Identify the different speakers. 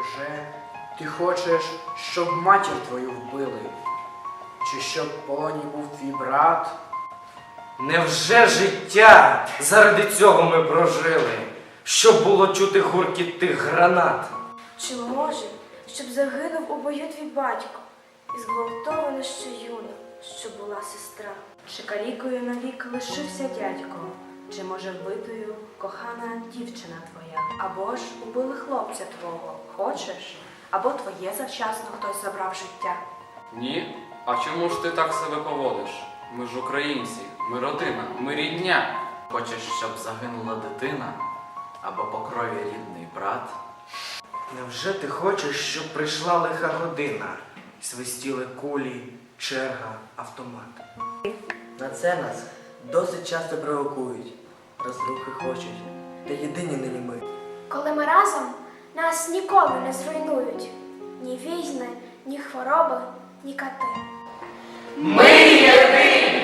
Speaker 1: Невже ти хочеш, щоб матір твою вбили? Чи щоб в полоні був твій брат?
Speaker 2: Невже життя заради цього ми прожили, щоб було чути гуркіт тих гранат?
Speaker 3: Чи може, щоб загинув у бою твій батько, і зґвалтована ще юна, що була сестра? Чи калікою навік лишився дядько? Чи може вбитою кохана дівчина твоя? Або ж убили хлопця твого, хочеш? Або твоє завчасно хтось забрав життя?
Speaker 4: Ні? А чому ж ти так себе поводиш? Ми ж українці, ми родина, ми рідня.
Speaker 5: Хочеш, щоб загинула дитина або по крові рідний брат?
Speaker 2: Невже ти хочеш, щоб прийшла лиха година, і свистіли кулі, черга, автомат?
Speaker 6: На це нас досить часто провокують, розрухи хочуть, та єдині нині ми.
Speaker 7: Коли ми разом, нас ніколи не зруйнують. Ні війни, ні хвороби, ні кати.
Speaker 2: Ми єдині!